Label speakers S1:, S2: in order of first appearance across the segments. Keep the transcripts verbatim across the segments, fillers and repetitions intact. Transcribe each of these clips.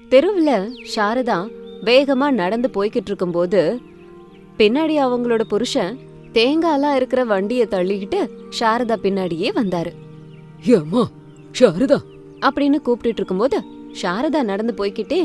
S1: தெருவுல சாரதா வேகமா நடந்து போய்கிட்டு இருக்கும்போது பின்னாடி அவங்களோட புருஷன் தேங்காய்லாம் இருக்கிற வண்டிய தள்ளிக்கிட்டு சாரதா பின்னாடியே வந்தாரு.
S2: ஏம்மா சாரதா
S1: அப்படின்னு கூப்பிட்டுட்டு இருக்கும்போது சாரதா நடந்து போய்கிட்டே,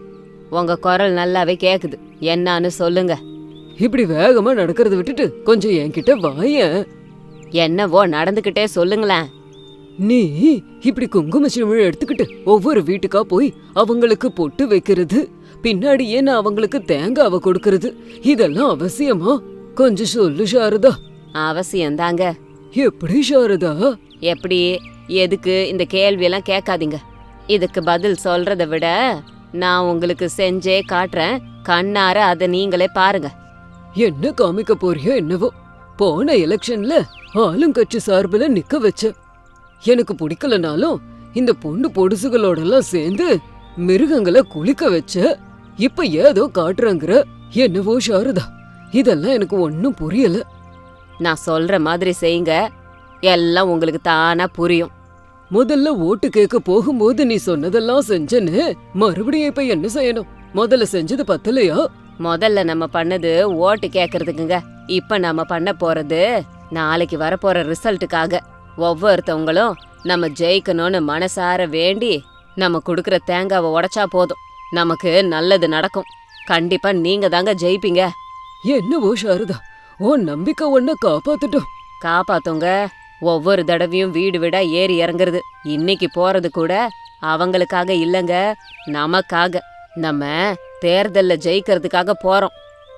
S1: உங்க குரல் நல்லாவே கேக்குது, என்னான்னு சொல்லுங்க.
S2: இப்படி வேகமா நடக்கிறத விட்டுட்டு கொஞ்சம் என்கிட்ட வாயேன்.
S1: என்னவோ நடந்துகிட்டே சொல்லுங்களேன்.
S2: நீ இப்படி குங்கும சிமிழ் எடுத்துக்கிட்டு ஒவ்வொரு வீட்டுக்கா போய் அவங்களுக்கு பொட்டு வைக்கிறது, பின்னாடியே நான் அவங்களுக்கு தேங்காவை கொடுக்கறது, இதெல்லாம் அவசியமா? கொஞ்சம் சொல்லு சாரதா.
S1: அவசியம்தாங்க.
S2: எப்படி சாரதா?
S1: எப்படி, எதுக்கு இந்த கேள்வியெல்லாம் கேட்காதீங்க. இதுக்கு பதில் சொல்றதை விட நான் உங்களுக்கு செஞ்சே காட்டுறேன், கண்ணார அதை நீங்களே பாருங்க.
S2: என்ன காமிக்க போறியோ என்னவோ. போன எலெக்ஷன்ல ஆளுங்கட்சி சார்பில் நிக்க வச்ச, எனக்கு பிடிக்கலனாலும் இந்த பொண்ணு பொடுசுகளோடலாம் சேர்ந்து மிருகங்களை குளிக்க வச்ச, இப்ப ஏதோ காட்டுறாங்கிற. என்னவோ சாரதா, இதெல்லாம் எனக்கு ஒன்னும் புரியல.
S1: நான் சொல்ற மாதிரி செய்யுங்க, எல்லாம் உங்களுக்கு தானா புரியும்.
S2: முதல்ல ஓட்டு கேட்க போகும்போது நீ சொன்னதெல்லாம் செஞ்சேன்னு மறுபடியும் இப்ப என்ன செய்யணும்? முதல்ல செஞ்சது பத்தலையா?
S1: முதல்ல நம்ம பண்ணது ஓட்டு கேக்குறதுக்குங்க. இப்ப நம்ம பண்ண போறது நாளைக்கு வரப்போற ரிசல்ட்டுக்காக. ஒவ்வொருத்தவங்களும் நம்ம ஜெயிக்கணும்னு மனசார வேண்டி நம்ம குடுக்கற தேங்காவை உடைச்சா போதும், நமக்கு நல்லது நடக்கும். கண்டிப்பா நீங்க தாங்க ஜெயிப்பீங்க.
S2: என்னவோ சாரதா, உன் நம்பிக்கை ஒன்ன காப்பாத்துட்டோம்.
S1: காப்பாத்துங்க. ஒவ்வொரு தடவையும் வீடு வீடா ஏறி இறங்குறது, இன்னைக்கு போறது கூட அவங்களுக்காக இல்லங்க, நமக்காக. நம்ம தேர்தல்ல ஜெயிக்கிறதுக்காக போறோம்.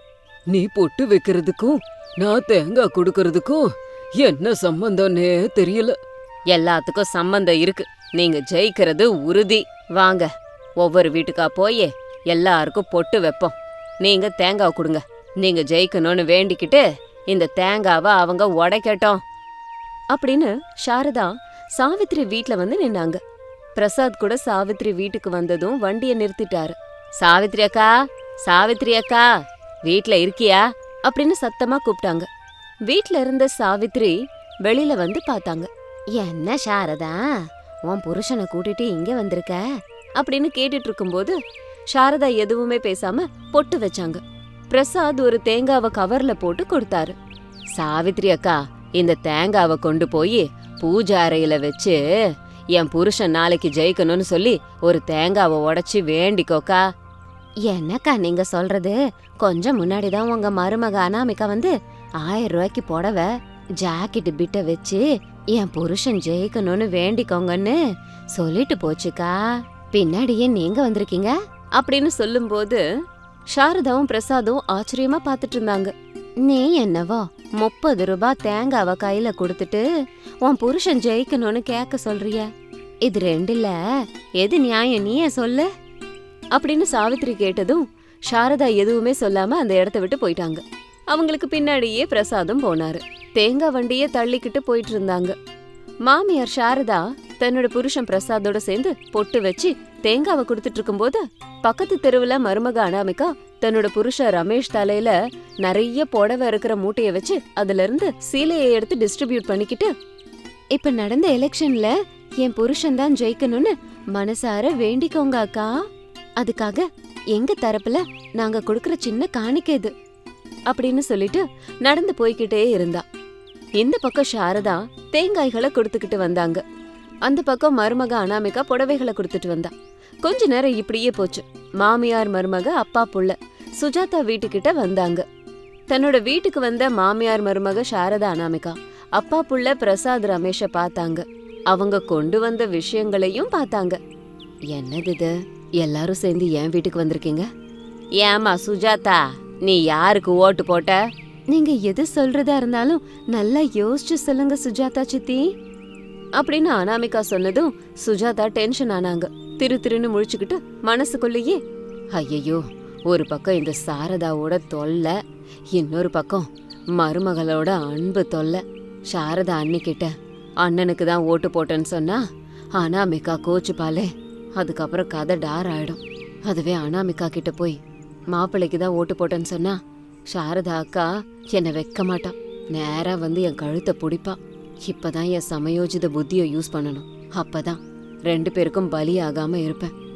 S2: நீ பொட்டு வைக்கிறதுக்கும் நான் தேங்காய் கொடுக்கறதுக்கும் என்ன சம்பந்தம்னே தெரியல.
S1: எல்லாத்துக்கும் சம்பந்தம் இருக்கு. நீங்க ஜெயிக்கிறது உறுதி. வாங்க, ஒவ்வொரு வீட்டுக்கா போய் எல்லாருக்கும் பொட்டு வைப்போம். நீங்க தேங்காய் கொடுங்க. நீங்க ஜெயிக்கணும்னு வேண்டிக்கிட்டு இந்த தேங்காவை அவங்க உடைக்கட்டும் அப்படின்னு சாரதா சாவித்ரி வீட்ல வந்து நின்னாங்க. பிரசாத் கூட சாவித்ரி வீட்டுக்கு வந்ததும் வண்டிய நிறுத்திட்டாரு. சாவித்ரி அக்கா, சாவித்ரி அக்கா, வீட்ல இருக்கியா அப்படின்னு சத்தமா கூப்பிட்டாங்க. வீட்ல இருந்த சாவித்ரி வெளியில வந்து பார்த்தாங்க. என்ன சாரதா, உன் புருஷனை கூட்டிட்டு இங்க வந்திருக்க அப்படின்னு கேட்டுட்டு இருக்கும்போது சாரதா எதுவுமே பேசாம பொட்டு வச்சாங்க. பிரசாத் ஒரு தேங்காவை கவர்ல போட்டு கொடுத்தாரு. சாவித்ரி அக்கா, இந்த தேங்காவை கொண்டு போய் பூஜை அறையில வச்சு என் புருஷன் நாளைக்கு ஜெயிக்கணும்னு சொல்லி ஒரு தேங்காவை உடைச்சி வேண்டிக்கோக்கா. என்னக்கா நீங்க சொல்றது? கொஞ்சம் முன்னாடிதான் உங்க மருமக அனாமிகா வந்து ஆயிரம் ரூபாய்க்கு புடவை ஜாக்கெட் பிட்ட வச்சு என் புருஷன் ஜெயிக்கணும்னு வேண்டிக்கோங்கன்னு சொல்லிட்டு போச்சுக்கா. பின்னாடியே நீங்க வந்திருக்கீங்க அப்படின்னு சொல்லும்போது சாரதாவும் பிரசாதும் ஆச்சரியமா பாத்துட்டு இருந்தாங்க. நீ என்னவோ முப்பது ரூபாய் தேங்காவை கையில கொடுத்துட்டு உன் புருஷன் ஜெயிக்கணும்னு கேட்க சொல்றிய, இது ரெண்டுல எது நியாயம் நீயே சொல்லு அப்படின்னு சாவித்ரி கேட்டதும் சாரதா எதுவுமே சொல்லாம அந்த இடத்த விட்டு போயிட்டாங்க. அவங்களுக்கு பின்னாடியே பிரசாதும் போனாரு. தேங்காய் வண்டிய தள்ளிக்கிட்டு போயிட்டு இருந்தாங்க. மாமியார் சாரதா தன்னோட புருஷன் பிரசாதோட சேர்ந்து பொட்டு வச்சு தேங்காவை கொடுத்துட்டு இருக்கும்போது பக்கத்து தெருவுல மருமக அனாமிகா தன்னோட புருஷன் ரமேஷ் தலையில நிறைய புடவை இருக்கிற மூட்டைய வச்சு அதுல இருந்து சீலையை எடுத்து டிஸ்ட்ரிபியூட் பண்ணிக்கிட்டு, இப்ப நடந்த எலெக்ஷன்ல என் புருஷன் தான் ஜெயிக்கணும்னு மனசார வேண்டிக்கோங்க அக்கா, அதுக்காக எங்க தரப்புல நாங்க கொடுக்கற சின்ன காணிக்கை இது அப்படின்னு சொல்லிட்டு நடந்து போய்கிட்டே இருந்தா. இந்த பக்கம் சாரதா தேங்காய்களை கொடுத்துக்கிட்டு வந்தாங்க. அந்த பக்கம் மருமக அனாமிகா புடவைகளை கொடுத்துட்டு வந்தா. கொஞ்ச நேரம் இப்படியே போச்சு. மாமியார் மருமக அப்பா புள்ள சுஜாதா வீட்டுக்கிட்ட வந்தாங்க. தன்னோட வீட்டுக்கு வந்த மாமியார் மருமக சாரதா அனாமிகா அப்பா புள்ள பிரசாத் ரமேஷ பார்த்தாங்க. அவங்க கொண்டு வந்த விஷயங்களையும் பார்த்தாங்க. என்னது இது, எல்லாரும் சேர்ந்து என் வீட்டுக்கு வந்திருக்கீங்க? ஏமா சுஜாதா, நீ யாருக்கு ஓட்டு போட்ட? நீங்க எது சொல்றதா இருந்தாலும் நல்லா யோசிச்சு சொல்லுங்க சுஜாதா சித்தி அப்படின்னு அனாமிகா சொன்னதும் சுஜாதா டென்ஷன் ஆனாங்க. திரு திருன்னு முழிச்சுக்கிட்டு மனசுக்குள்ளேயே, ஐயையோ, ஒரு பக்கம் இந்த சாரதாவோட தொல்லை, இன்னொரு பக்கம் மருமகளோட அன்பு தொல்லை. சாரதா அண்ணிக்கிட்ட அண்ணனுக்கு தான் ஓட்டு போட்டேன்னு சொன்னா அனாமிகா கோச்சுப்பாலே, அதுக்கப்புறம் கதை டார் ஆயிடும். அதுவே அனாமிகா கிட்ட போய் மாப்பிள்ளைக்கு தான் ஓட்டு போட்டேன்னு சொன்னா சாரதா அக்கா என்னை வைக்க மாட்டா, நேரா வந்து என் கழுத்தை பிடிப்பா. இப்பதான் என் சமயோஜித புத்தியை யூஸ் பண்ணணும், அப்பதான் ரெண்டு பேருக்கும் பலி ஆகாம இருப்பேன்.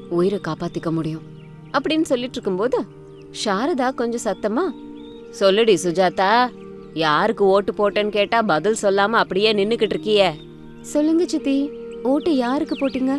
S1: உயிரை காப்பாத்திக்க முடியும் அப்படின்னு சொல்லிட்டு இருக்கும்போது சாரதா கொஞ்சம் சத்தமா, சொல்லுடி சுஜாதா, யாருக்கு ஓட்டு போட்டேன்னு கேட்டா பதில் சொல்லாம அப்படியே நின்னுக்கிட்டு இருக்கியே. சொல்லுங்க சித்தி, ஓட்டு யாருக்கு போட்டீங்க?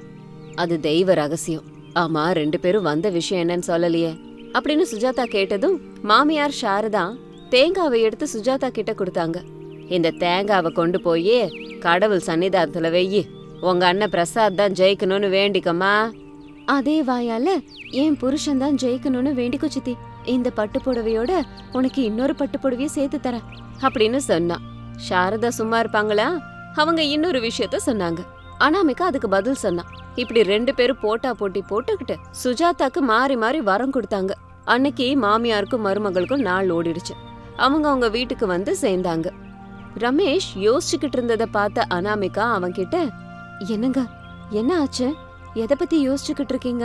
S1: அது தெய்வ ரகசியம். ஆமா, ரெண்டு பேரும் வந்த விஷயம் என்னன்னு சொல்லலையே அப்படின்னு சுஜாதா கேட்டதும் மாமியார் சாரதா தேங்காவை எடுத்து சுஜாதா கிட்ட கொடுத்தாங்க. இந்த தேங்காவை கொண்டு போய் கடவுள் சன்னிதானத்துல வெய்யி, உங்க அண்ணன் பிரசாத் தான் ஜெயிக்கணும்னு வேண்டிக்கம்மா. அதே வாயால என் புருஷன் தான் ஜெயிக்கணும்னு வேண்டிக்கோ சித்தி. இந்த பட்டு புடவையோட உனக்கு இன்னொரு பட்டு புடவைய சேர்த்து தரேன் அப்படின்னு சொன்னா. சாரதா சும்மா இருப்பாங்களா? அவங்க இன்னொரு விஷயத்த சொன்னாங்க. அனாமிகா அதுக்கு பதில் சொன்னா. இப்படி ரெண்டு பேரும் போட்டா போட்டி போட்டுக்கிட்டு சுஜாதாக்கு மாறி மாறி வரம் கொடுத்தாங்க. அன்னைக்கு மாமியாருக்கும் மருமகளுக்கும் நாள் ஓடிடுச்சு. அவங்க அவங்க வீட்டுக்கு வந்து சேர்ந்தாங்க. ரமேஷ் யோசிச்சுக்கிட்டு இருந்ததை பார்த்த அனாமிகா அவன்கிட்ட, என்னங்க என்ன ஆச்சு, எதை பத்தி யோசிச்சுக்கிட்டு இருக்கீங்க?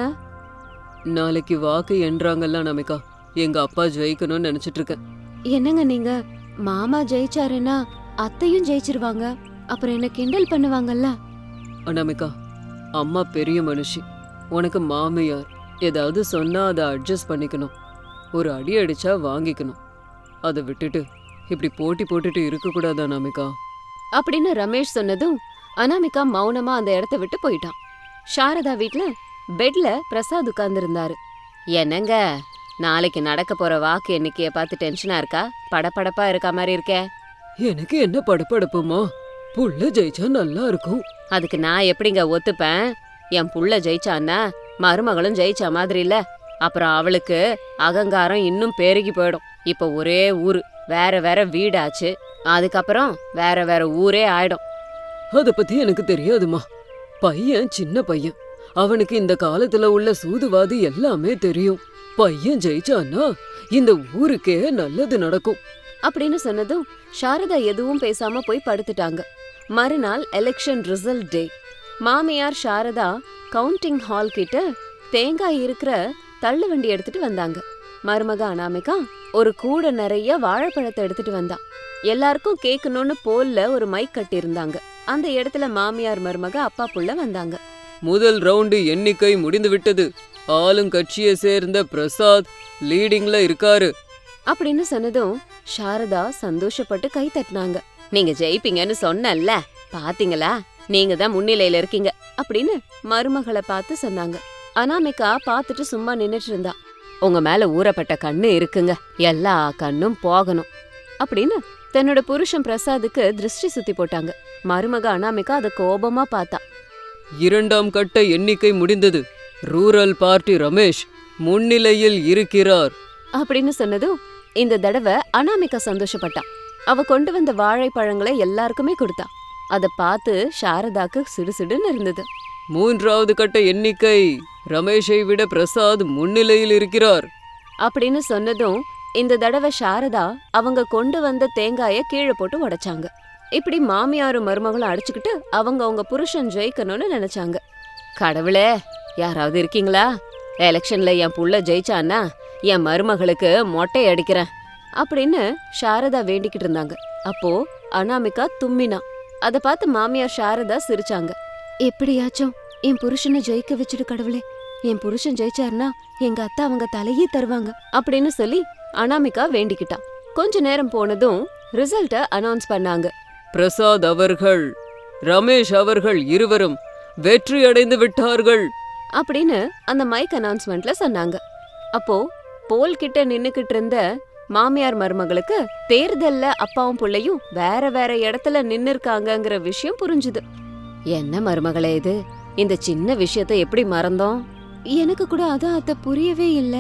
S2: நாளைக்கு வாக்கு என்றாங்கல்ல அனாமிகா, எங்க அப்பா ஜெயிக்கணும்னு நினைச்சிட்டு இருக்கேன்.
S1: என்னங்க நீங்க, மாமா ஜெயிச்சாருன்னா அத்தையும் ஜெயிச்சிருவாங்க, அப்புறம் என்ன கிண்டல் பண்ணுவாங்கல்ல?
S2: அனாமிகா, அம்மா பெரிய மனுஷி, உனக்கு மாமியார். ஏதாவது சொன்னா அதை அட்ஜஸ்ட் பண்ணிக்கணும். ஒரு அடி அடிச்சா வாங்கிக்கணும். அதை விட்டுட்டு இப்படி போட்டி போட்டுட்டு இருக்க கூடாது அனாமிகா
S1: அப்படின்னு ரமேஷ் சொன்னதும் அனாமிகா மௌனமா அந்த இடத்த விட்டு போயிட்டான். சாரதா வீட்ல பெட்ல பிரசாத் உட்கார்ந்து இருந்தாரு. என்னங்க, நாளைக்கு நடக்க போற வாக்கு எண்ணிக்கைய பார்த்து டென்ஷனா இருக்கா? படபடப்பா இருக்க மாதிரி இருக்கே.
S2: எனக்கு என்ன படப்படப்புமா, புள்ள ஜெயிச்சா நல்லா இருக்கும்.
S1: அதுக்கு நான் எப்படிங்க ஒத்துப்பேன்? என் புள்ள ஜெயிச்சான்னா மருமகளும் ஜெயிச்சா மாதிரி இல்ல. அப்புறம் அவளுக்கு அகங்காரம் இன்னும் பெருகி போயிடும். இப்ப ஒரே ஊரு, வேற வேற வீடாச்சு, அதுக்கப்புறம் வேற வேற ஊரே ஆயிடும்.
S2: அத பத்தி எனக்கு தெரியாதுமா. பையன் சின்ன பையன், அவனுக்கு இந்த காலத்துல உள்ள சூதுவாது எல்லாமே தெரியும். பையன் ஜெயிச்சான்னா இந்த ஊருக்கே நல்லது நடக்கும்
S1: அப்படின்னு சொன்னதும் சாரதா எதுவும் பேசாம போய் படுத்துட்டாங்க. மறுநாள் எலெக்ஷன் ரிசல்ட் டே. மாமியார் சாரதா கவுண்டிங் ஹால் கிட்ட தேங்காய் இருக்கிற தள்ளு வண்டி எடுத்துட்டு வந்தாங்க. மருமக அனாமிகா ஒரு கூட நிறைய வாழைப்பழத்தை எடுத்துட்டு வந்தா. எல்லாருக்கும் கேட்கணும்னு போல்ல ஒரு மைக் கட்டி இருந்தாங்க. அந்த இடத்துல மாமியார் மருமக அப்பா புள்ள வந்தாங்க.
S2: முதல் ரவுண்டு எண்ணிக்கை முடிந்து விட்டது. ஆளுங்கட்சியை சேர்ந்த பிரசாத் லீடிங்ல இருக்காரு
S1: அப்படின்னு சொன்னதும் சாரதா சந்தோஷப்பட்டு கை தட்டினாங்க. நீங்க ஜெயிப்பீங்கன்னு சொன்னல்ல, பாத்தீங்களா, நீங்க தான் முன்னிலையில இருக்கீங்க அப்படின்னு மருமகளை பார்த்து சொன்னாங்க. அனாமிகா பார்த்துட்டு சும்மா நின்னுட்டு இருந்தா. உங்க மேல ஊறப்பட்ட கண்ணு இருக்குங்க, எல்லா கண்ணும் போகணும் அப்படின்னு தன்னோட புருஷன் பிரசாதுக்கு திருஷ்டி சுத்தி போட்டாங்க. மருமக அனாமிகா அத கோபமா பார்த்தா.
S2: இரண்டாம் கட்ட எண்ணிக்கை முடிந்தது. ரூரல் பார்ட்டி ரமேஷ் முன்னிலையில் இருக்கிறார்
S1: அப்படின்னு சொன்னதும் இந்த தடவை அனாமிகா சந்தோஷப்பட்டா. அவ கொண்டு வந்த வாழைப்பழங்களை எல்லாருக்குமே கொடுத்தா. அத பார்த்து சாரதாக்கு சிடுசிடுன்னு இருந்தது.
S2: மூன்றாவது கட்ட எண்ணிக்கை, ரமேஷை விட பிரசாத் முன்னிலையில் இருக்கிறார்
S1: அப்படின்னு சொன்னதும் இந்த தடவை சாரதா அவங்க கொண்டு வந்த தேங்காய கீழே போட்டு உடைச்சாங்க. இப்படி மாமியாரும் மருமகளும் அடிச்சுக்கிட்டு அவங்க அவங்க புருஷன் ஜெயிக்கணும்னு நினைச்சாங்க. கடவுளே, யாராவது இருக்கீங்களா? எலெக்ஷன்ல என் புள்ள ஜெயிச்சான்னா என் மருமகளுக்கு மொட்டை அடிக்கிறேன் அப்படின்னு சாரதா வேண்டிக்கிட்டு இருந்தாங்க. அப்போ அனாமிகா தும்மினா. அத பார்த்து மாமியார் சாரதா சிரிச்சாங்க. எப்படியாச்சும் என் புருஷனை ஜெயிக்க வச்சுடு கடவுளே, என் புருஷன் ஜெயிச்சாருன்னா எங்க அத்தை அவங்க தலையே தருவாங்க அப்படின்னு சொல்லி அனாமிகா வேண்டிக்கிட்டா. கொஞ்ச நேரம் போனதும் ரிசல்ட்ட அனௌன்ஸ் பண்ணாங்க.
S2: பிரசாத் அவர்கள், ரமேஷ் அவர்கள் இருவரும் வெற்றி அடைந்து விட்டார்கள்
S1: அப்படின்னு அந்த மைக் அனௌன்ஸ்மெண்ட்ல சொன்னாங்க. அப்போ போல் கிட்ட நின்னுக்கிட்டு இருந்த மாமியார் மருமகளுக்கு தேர்தல்ல அப்பாவும் புள்ளையும் வேற வேற இடத்துல நின்னு இருக்காங்கங்கிற விஷயம் புரிஞ்சுது. என்ன மருமகளே இது, இந்த சின்ன விஷயத்த எப்படி மறந்தோம்? எனக்கு கூட அதான் அத புரியவே இல்ல.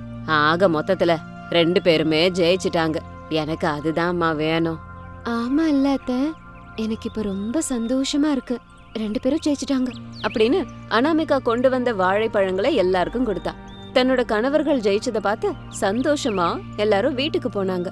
S1: ஆக மொத்தத்துல ரெண்டு பேருமே ஜெயிச்சிட்டாங்க. எனக்கு அதுதான்மா வேணும். ஆமா இல்ல அத்த, எனக்கு இப்ப ரொம்ப சந்தோஷமா இருக்கு. ரெண்டு பேரும் ஜெயிச்சிட்டாங்க அப்படின்னு அனாமிகா கொண்டு வந்த வாழைப்பழங்களை எல்லாருக்கும் கொடுத்தா. தன்னோட கணவர்கள் ஜெயிச்சத பார்த்து சந்தோஷமா எல்லாரும் வீட்டுக்கு போனாங்க.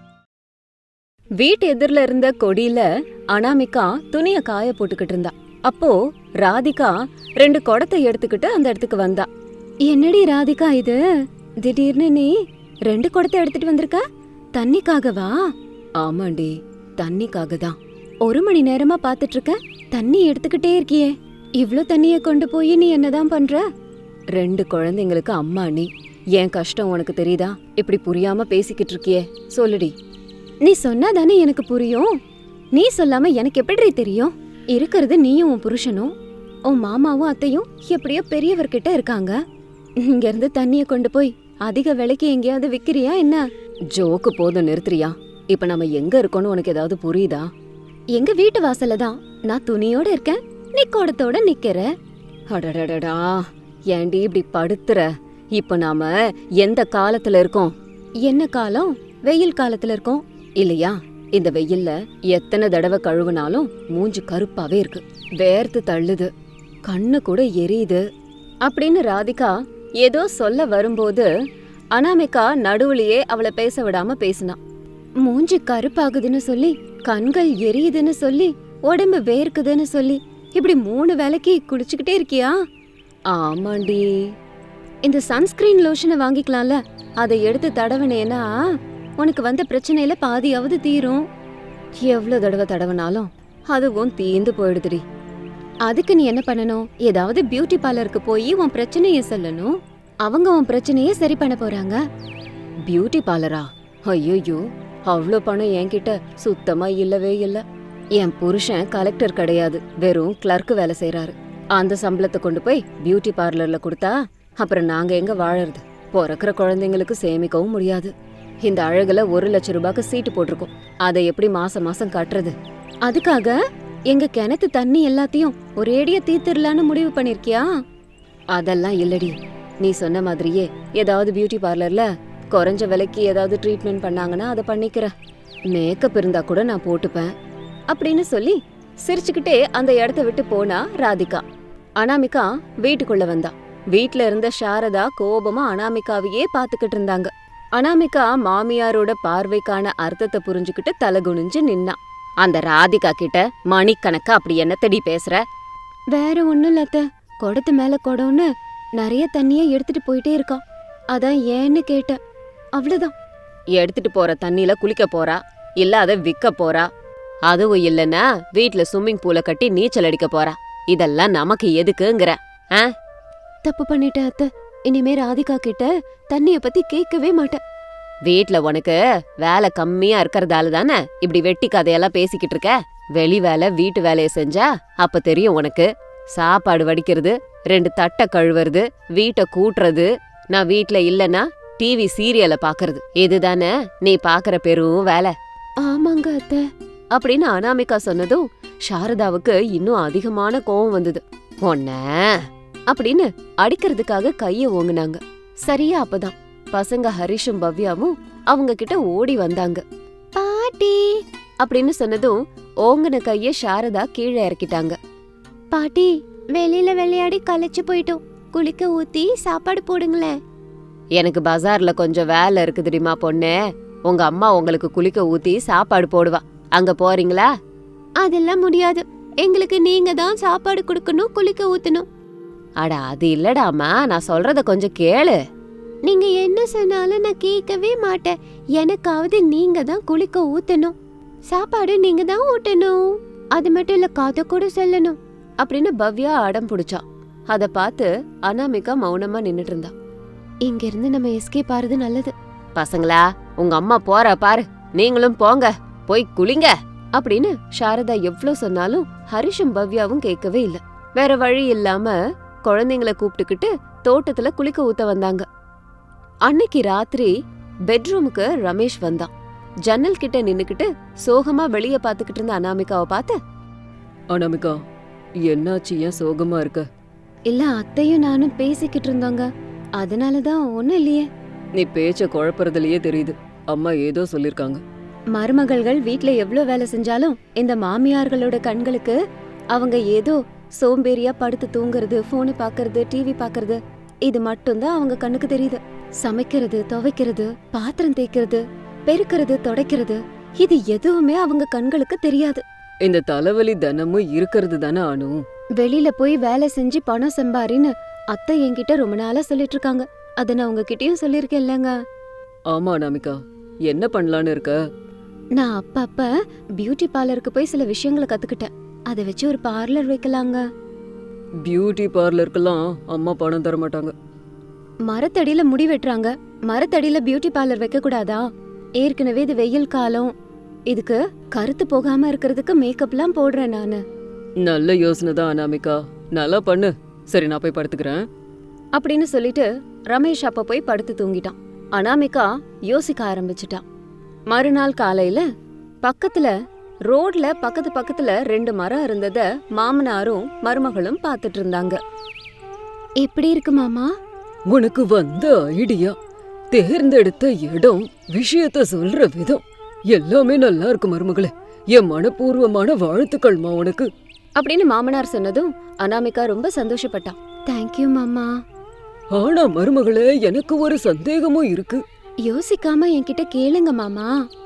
S1: வீட்டு எதிரில இருந்த கொடியில அனாமிகா துணிய காய போட்டுக்கிட்டு இருந்தா. அப்போ ராதிகா ரெண்டு குடத்தை எடுத்துக்கிட்டு அந்த இடத்துக்கு வந்தா. என்னடி ராதிகா இது, திடீர்னு நீ ரெண்டு குடத்தை எடுத்துட்டு வந்திருக்க? தண்ணிக்காகவா? ஆமாண்டி, தண்ணிக்காக தான். ஒரு மணி நேரமா பாத்துட்டு இருக்க, தண்ணி எடுத்துக்கிட்டே இருக்கியே. இவ்ளோ தண்ணிய கொண்டு போய் நீ என்னதான் பண்ற? ரெண்டு குழந்தைங்களுக்கு அம்மா நீ. என் கஷ்டம் உனக்கு தெரியுதா? இப்படி புரியாம பேசிக்கிட்டு இருக்கியே, சொல்லுடி. நீ சொன்னாதானே எனக்கு புரியும். நீ சொல்லாம எனக்கு எப்படி தெரியும்? இருக்கிறது நீயும் உன் புருஷனும், உன் மாமாவும் அத்தையும் எப்படியோ பெரியவர்கிட்ட இருக்காங்க. இங்க இருந்து தண்ணிய கொண்டு போய் அதிக விலைக்கு எங்கேயாவது விக்கிறியா என்ன? ஜோக்கு போதும், நிறுத்துறியா? இப்ப நம்ம எங்க இருக்கோம்னு உனக்கு ஏதாவது புரியுதா? எங்க வீட்டு வாசல்ல தான். நான் துணியோட இருக்கேன், நீ குடத்தோட நிக்கிற. அடடடடா, ஏண்டி இப்படி படுத்துற? இப்ப நாம எந்த காலத்துல இருக்கோம்? என்ன காலம்? வெயில் காலத்துல இருக்கோம் இல்லையா? இந்த வெயில்ல எத்தனை தடவை கழுவுனாலும் மூஞ்சி கருப்பாவே இருக்கு, வேர்த்து தள்ளுது, கண்ணு கூட எரியுது அப்படின்னு ராதிகா ஏதோ சொல்ல வரும்போது அனாமிகா நடுவுலயே அவளை பேச விடாம பேசினா. மூஞ்சி கருப்பாகுதுன்னு சொல்லி, கண்கள் எரியுதுன்னு சொல்லி, உடம்பு வேர்க்குதுன்னு சொல்லி, இப்படி மூணு வேளைக்கு குளிச்சுக்கிட்டே இருக்கியா? ஆமாண்டி. இந்த சன்ஸ்கிரீன் லோஷனை வாங்கிக்கலாம்ல, அதை எடுத்து தடவினேன்னா உனக்கு வந்த பிரச்சனையில பாதியாவது தீரும். எவ்வளவு தடவை தடவினாலும் அதுவும் தீந்து போயிடுதுடி. அதுக்கு நீ என்ன பண்ணணும்? ஏதாவது பியூட்டி பார்லருக்கு போய் உன் பிரச்சனைய சொல்லணும். அவங்க உன் பிரச்சனைய சரி பண்ண போறாங்க. பியூட்டி பார்லரா? ஐயோ, அவ்வளோ பணம் என்கிட்ட சுத்தமா இல்லவே இல்ல. என் புருஷன் கலெக்டர் கிடையாது, வெறும் கிளர்க்கு வேலை செய்யறாரு. அந்த சம்பளத்தை கொண்டு போய் பியூட்டி பார்லர்ல கொடுத்தா அப்புறம் நாங்க எங்க வாழறது? பிறக்கிற குழந்தைங்களுக்கு சேமிக்கவும் முடியாது. இந்த அழகுல ஒரு லட்சம் ரூபாய்க்கு சீட்டு போட்டிருக்கோம், அதை எப்படி மாசம் மாசம் கட்டுறது? அதுக்காக எங்க கிணத்து தண்ணி எல்லாத்தையும் ஒரேடியா தீர்த்திடலான்னு முடிவு பண்ணிருக்கியா? அதெல்லாம் இல்லடி. நீ சொன்ன மாதிரியே ஏதாவது பியூட்டி பார்லர்ல குறைஞ்ச விலைக்கு ஏதாவது ட்ரீட்மெண்ட் பண்ணாங்கன்னா அதை பண்ணிக்கிறேன். மேக்கப் இருந்தா கூட நான் போட்டுப்பேன் அப்படின்னு சொல்லி சிரிச்சுக்கிட்டே அந்த இடத்த விட்டு போனா ராதிகா. அனாமிகா வீட்டுக்குள்ள வந்தா. வீட்ல இருந்த சாரதா கோபமா அனாமிகாவையே பாத்துக்கிட்டு இருந்தாங்க. அனாமிகா மாமியாரோட பார்வைக்கான அர்த்தத்தை புரிஞ்சுக்கிட்டு தலகுனிஞ்சு நின்னா. அந்த ராதிகா கிட்ட மணிக்கணக்கா அப்படி என்னத்தடி பேசுற? வேற ஒண்ணும் இல்ல அத்தை, குடத்து மேல குடம்னு நிறைய தண்ணிய எடுத்துட்டு போயிட்டே இருக்கா, அதான் ஏன்னு கேட்டேன், அவ்வளவுதான். எடுத்துட்டு போற தண்ணியில குளிக்க போறா, இல்ல அதை விற்க போறா, அதுவும் இல்லன்னா வீட்ல ஸ்விம்மிங் பூல கட்டி நீச்சல் அடிக்க போறா. இதெல்லாம் நமக்கு எதுக்குங்கிற? ஆ, தப்பு பண்ணிட்டேன் அத்தை, இனிமே ராதிகா கிட்ட தண்ணிய பத்தி கேட்கவே மாட்டேன். வீட்ல உனக்கு வேலை கம்மியா இருக்கறதால தானே இப்படி வெட்டி கதையெல்லாம் பேசிக்கிட்டு இருக்க. வெளி வேலை வீட்டு வேலைய செஞ்சா அப்ப தெரியும் உனக்கு. சாப்பாடு வடிக்கிறது, ரெண்டு தட்டை கழுவுறது, வீட்டை கூட்டுறது, நான் வீட்ல இல்லனா டிவி சீரியலை பாக்குறது, இதுதானே நீ பாக்குற பெரும் வேலை. ஆமாங்க அத்தை அப்படின்னு அனாமிகா சொன்னதும் சாரதாவுக்கு இன்னும் அதிகமான கோவம் வந்தது. ஒன்ன அப்படின்னு அடிக்கிறதுக்காக கைய ஓங்குனாங்க. சரியா அப்பதான் பசங்க ஹரிஷும் பவ்யாவும் அவங்க கிட்ட ஓடி வந்தாங்க. பாட்டி அப்படின்னு சொன்னதும் ஓங்குன கைய சாரதா கீழே இறக்கிட்டாங்க. பாட்டி, வெளியில விளையாடி களைச்சு போயிட்டோம், குளிக்க ஊத்தி சாப்பாடு போடுங்களேன். எனக்கு பஜார்ல கொஞ்சம் வேலை இருக்கு தெரியுமா பொண்ணே, உங்க அம்மா உங்களுக்கு குளிக்க ஊத்தி சாப்பாடு போடுவா, அங்க போறீங்களா? அதெல்லாம் முடியாது, எங்களுக்கு நீங்க தான் சாப்பாடு கொடுக்கணும், குளிக்க ஊத்தணும். அட அது இல்லடாமா, நான் சொல்றத கொஞ்சம் கேளு. நீங்க என்ன சொன்னாலும் நான் கேட்கவே மாட்டேன், எனக்காவது நீங்க தான் குளிக்க ஊத்தணும், சாப்பாடு நீங்க தான் ஊட்டணும், அது மட்டும் இல்ல கதை கூட சொல்லணும் அப்படின்னு பவ்யா அடம் பிடிச்சா. அத பார்த்து அனாமிகா மௌனமா நின்னுட்டு இருந்தா. இங்க இருந்து நம்ம எஸ்கேப் ஆறது நல்லது. பசங்களா, உங்க அம்மா போற பாரு, நீங்களும் போங்க, போய் குளிங்க அப்படின்னு சாரதா எவ்வளவு சொன்னாலும் ஹரிஷும் பவ்யாவும் கேட்கவே இல்ல. வேற வழி இல்லாம குழந்தைங்களை கூப்பிட்டுக்கிட்டு தோட்டத்துல குளிக்க ஊத்த வந்தாங்க. அன்னைக்கு ராத்திரி பெட்ரூமுக்கு ரமேஷ் வந்தான். ஜன்னல் கிட்ட நின்னுக்கிட்டு சோகமா வெளிய பாத்துக்கிட்டு இருந்த அனாமிகாவை பார்த்து,
S2: அனாமிகா, என்னாச்சு, ஏன் சோகமா இருக்க?
S1: இல்ல அத்தையும் நானும் பேசிக்கிட்டு இருந்தாங்க, அதனாலதான் ஒண்ணும் இல்லையே.
S2: நீ பேச்ச குழப்பறதுலயே தெரியுது, அம்மா ஏதோ சொல்லிருக்காங்க.
S1: மருமகள்கள் வீட்ல எவ்ளோ வேலை செஞ்சாலும் இந்த மாமியார்களோட கண்களுக்கு அவங்க ஏதோ சோம்பேறியா படுத்து தூங்குறது, போனு பாக்குறது, டிவி பாக்குறது, இது மட்டும்தான் அவங்க கண்ணுக்கு தெரியுது. சமைக்கிறது, துவைக்கிறது, பாத்திரம் தேய்க்கிறது, பெருக்கிறது, தொடைக்கிறது, இது எதுவுமே அவங்க கண்களுக்கு தெரியாது.
S2: இந்த தலைவலி தினமும் இருக்கிறது தானே அனு.
S1: வெளியில போய் வேலை செஞ்சு பணம் சம்பாரின்னு அத்தை என்கிட்ட ரொம்ப நாளா சொல்லிட்டு இருக்காங்க, அத நான் உங்ககிட்டயும் சொல்லிருக்கேன் இல்லங்க.
S2: ஆமா அனாமிகா, என்ன பண்ணலான்னு இருக்க?
S1: நான் அப்பப்ப பியூட்டி பார்லருக்கு போய் சில விஷயங்களை கத்துக்கிட்டேன், அதை வச்சு ஒரு பார்லர் வைக்கலாங்க.
S2: பியூட்டி பார்லருக்கெல்லாம் அம்மா பணம் தர மாட்டாங்க.
S3: மரத்தடியில முடி வெட்டுறாங்க, மரத்தடியில பியூட்டி பார்லர் வைக்க கூடாதா? ஏற்கனவே இது வெயில் காலம், இதுக்கு கருத்து போகாம இருக்கிறதுக்கு மேக்கப்லாம் போடுறேன் நானு.
S2: நல்ல யோசனை தான் அனாமிகா, நல்லா பண்ணு. சரி, நான் போய் படுத்துக்கிறேன்
S3: அப்படின்னு சொல்லிட்டு ரமேஷ் அப்ப போய் படுத்து தூங்கிட்டான். அனாமிகா யோசிக்க ஆரம்பிச்சிட்டான். மறுநாள் காலையில பக்கத்துல ரோட்ல பக்கத்து பக்கத்துல ரெண்டு மரம் இருந்தத மாமனாரும் மருமகளும் பார்த்துட்டு இருந்தாங்க. எப்படி இருக்கு மாமா?
S2: உனக்கு வந்த ஐடியா, தேர்ந்தெடுத்த இடம், விஷயத்த சொல்ற விதம் எல்லாமே நல்லா இருக்கு மருமகளே. என் மனப்பூர்வமான வாழ்த்துக்கள்மா உனக்கு
S3: அப்படின்னு மாமனார் சொன்னதும் அனாமிகா ரொம்ப சந்தோஷப்பட்டான். தேங்க்யூ மாமா.
S2: ஆனா மருமகளே, எனக்கு ஒரு சந்தேகமும் இருக்கு.
S3: யோசிக்காம என்கிட்ட கேளுங்க மாமா.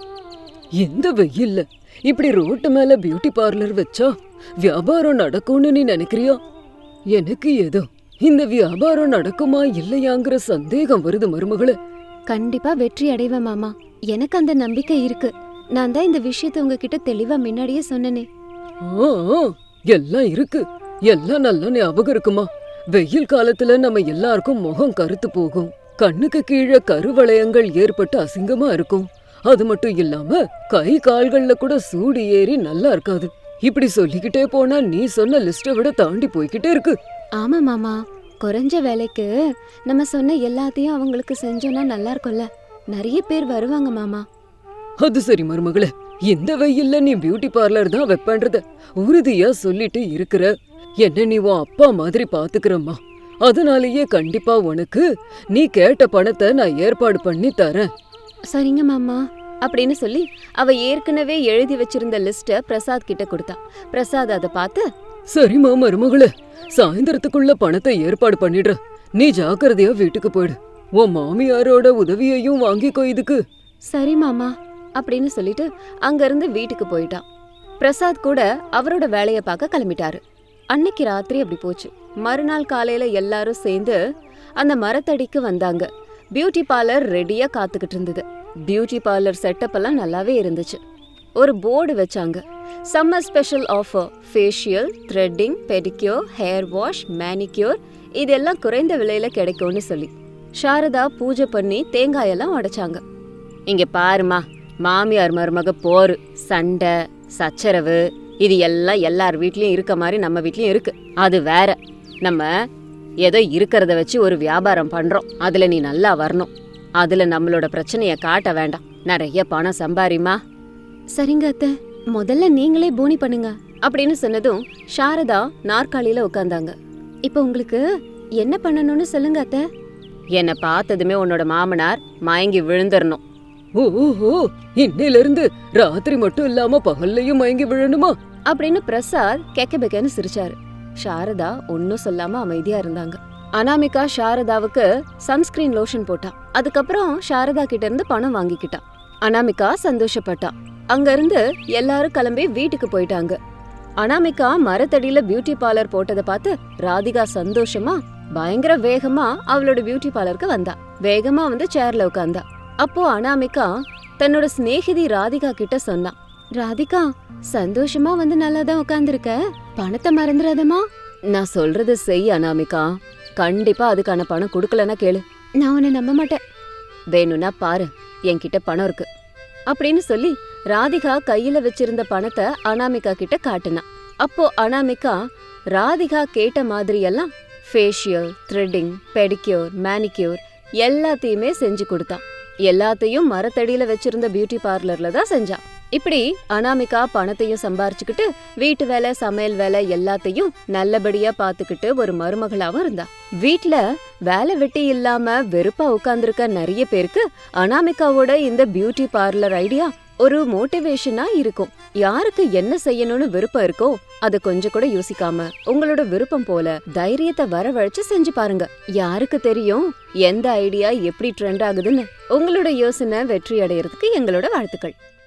S2: இந்த வெயில்ல இப்படி ரோட்டு மேல பியூட்டி பார்லர் வச்சா வியாபாரம் நடக்கும்னு நீ நினைக்கிறியா? எனக்கு ஏதோ இந்த வியாபாரம் நடக்குமா இல்லையாங்கிற சந்தேகம் வருது மருமகளே.
S3: கண்டிப்பா வெற்றி அடைவேன் மாமா, எனக்கு அந்த நம்பிக்கை இருக்கு. நான் தான் இந்த விஷயத்த உங்ககிட்ட தெளிவா முன்னாடியே சொன்னனே.
S2: ஆ, எல்லாம் இருக்கு, எல்லாம் நல்லா ஞாபகம் இருக்குமா. வெயில் காலத்துல நம்ம எல்லாருக்கும் முகம் கருத்து போகும், கண்ணுக்கு கீழே கருவளையங்கள் ஏற்பட்டு அசிங்கமா இருக்கும். அது மட்டும் இல்லாம கை கால்கள்ல கூட சூடு ஏறி நல்லா இருக்காது. இப்படி சொல்லிக்கிட்டே போனா நீ சொன்ன லிஸ்ட விட தாண்டி போய்கிட்டே இருக்கு.
S3: ஆமா மாமா, குறைஞ்ச வேலைக்கு நம்ம சொன்ன எல்லாத்தையும் அவங்களுக்கு செஞ்சோம்னா நல்லா இருக்கும்ல, நிறைய பேர் வருவாங்க மாமா.
S2: அது சரி மருமகளே, இந்த வெயில்ல நீ பியூட்டி பார்லர் தான் வைப்பன்றத உறுதியா சொல்லிட்டு இருக்கிற. என்ன நீ உன் அப்பா மாதிரி பாத்துக்கிறம்மா, அதனாலேயே கண்டிப்பா உனக்கு நீ கேட்ட பணத்தை நான் ஏற்பாடு பண்ணி தரேன்.
S3: சரிங்க மாமா அப்படின்னு சொல்லி அவ ஏற்கனவே எழுதி வச்சிருந்த லிஸ்ட பிரசாத் கிட்ட கொடுத்தா. பிரசாத் அதை பார்த்து,
S2: சரிம்மா மருமகளே, சாயந்தரத்துக்குள்ள பணத்தை ஏற்பாடு பண்ணிடுற. நீ ஜாக்கிரதையா வீட்டுக்கு போயிடு. உன் மாமியாரோட உதவியையும் வாங்கிக்கோ இதுக்கு.
S3: சரி மாமா அப்படின்னு சொல்லிட்டு அங்கிருந்து வீட்டுக்கு போயிட்டான். பிரசாத் கூட அவரோட வேலைய பார்க்க கிளம்பிட்டாரு. அன்னைக்கு ராத்திரி அப்படி போச்சு. மறுநாள் காலையில எல்லாரும் சேர்ந்து அந்த மரத்தடிக்கு வந்தாங்க. பியூட்டி பார்லர் ரெடியா காத்துக்கிட்டு இருந்தது. பியூட்டி பார்லர் செட்டப் எல்லாம் நல்லாவே இருந்துச்சு. ஒரு போர்டு வச்சாங்க, summer special offer, facial, threading, pedicure, hair wash, manicure இதெல்லாம் குறைந்த விலையில கிடைக்கும்னு சொல்லி. சாரதா பூஜை பண்ணி தேங்காயெல்லாம் உடைச்சாங்க. இங்க பாருமா, மாமியார் மருமக போரு, சண்டை, சச்சரவு இது எல்லாம் எல்லார் வீட்லயும் இருக்க மாதிரி நம்ம வீட்லயும் இருக்கு. அது வேற, நம்ம ஏதோ இருக்கிறத வச்சு ஒரு வியாபாரம் பண்றோம், அதுல நீ நல்லா வரணும். அதுல நம்மளோட பிரச்சனைய காட்ட வேண்டாம், நிறைய பணம் சம்பாரிமா. சரிங்க அத்தை, முதல்ல நீங்களே போனி பண்ணுங்க அப்படின்னு சொன்னதும் சாரதா நாற்காலியில உட்கார்ந்தாங்க. இப்ப உங்களுக்கு என்ன பண்ணணும்னு சொல்லுங்க அத்தை. என்ன பார்த்ததுமே உன்னோட மாமனார் மயங்கி விழுந்துடணும்.
S2: ஓஹோ, இன்னையில இருந்து ராத்திரி மட்டும் இல்லாம பகல்லையும் மயங்கி விழணுமா
S3: அப்படின்னு பிரசாத் கெக்க பெக்கன்னு சிரிச்சாரு. சாரதா ஒன்னும் சொல்லாம அமைதியா இருந்தாங்க. அனாமிகா சாரதாவுக்கு சன்ஸ்கிரீன் லோஷன் போட்டா. அதுக்கப்புறம் சாரதா கிட்ட இருந்து பணம் வாங்கிக்கிட்டா. அனாமிகா சந்தோஷப்பட்டா. அங்க இருந்து எல்லாரும் கிளம்பி வீட்டுக்கு போயிட்டாங்க. அனாமிகா மரத்தடியில பியூட்டி பார்லர் போட்டதை பார்த்து ராதிகா சந்தோஷமா பயங்கர வேகமா அவளோட பியூட்டி பார்லருக்கு வந்தா. வேகமா வந்து சேர்ல உட்கார்ந்தா. அப்போ அனாமிகா தன்னோட சிநேகிதி ராதிகா கிட்ட சொன்னா, ராதிகா சந்தோஷமா வந்து நல்லாதான் உட்கார்ந்துருக்க, பணத்தை மறந்துடாதமா. நான் சொல்றது செய் அனாமிகா, கண்டிப்பா அதுக்கான பணம் கொடுக்கலன்னா கேளு, நான் உன்னை நம்ப மாட்டேன். வேணும்னா பாரு, என்கிட்ட பணம் இருக்கு அப்படின்னு சொல்லி ராதிகா கையில வச்சிருந்த பணத்தை அனாமிகா கிட்ட காட்டுனா. அப்போ அனாமிகா ராதிகா கேட்ட மாதிரியெல்லாம் ஃபேஷியல், த்ரெட்டிங், பெடிக்யூர், மேனிக்யூர் எல்லாத்தையுமே செஞ்சு கொடுத்தான். எல்லாத்தையும் மரத்தடியில வச்சிருந்த பியூட்டி பார்லர்ல தான் செஞ்சா. இப்படி அனாமிகா பணத்தையும் சம்பாரிச்சுக்கிட்டு வீட்டு வேலை, சமையல் வேலை எல்லாத்தையும் நல்லபடியா பாத்துக்கிட்டு ஒரு மருமகளாவும் இருந்தா. வீட்ல வேலை வெட்டி இல்லாம வெறுப்பா உட்கார்ந்துருக்க நிறைய பேருக்கு அனாமிகாவோட இந்த பியூட்டி பார்லர் ஐடியா ஒரு மோட்டிவேஷனா இருக்கும். யாருக்கு என்ன செய்யணும்னு விருப்பம் இருக்கோ அத கொஞ்சம் கூட யோசிக்காம உங்களோட விருப்பம் போல தைரியத்தை வரவழைச்சு செஞ்சு பாருங்க. யாருக்கு தெரியும் எந்த ஐடியா எப்படி ட்ரெண்ட் ஆகுதுன்னு. உங்களோட யோசனை வெற்றி அடையறதுக்கு எங்களோட வாழ்த்துக்கள்.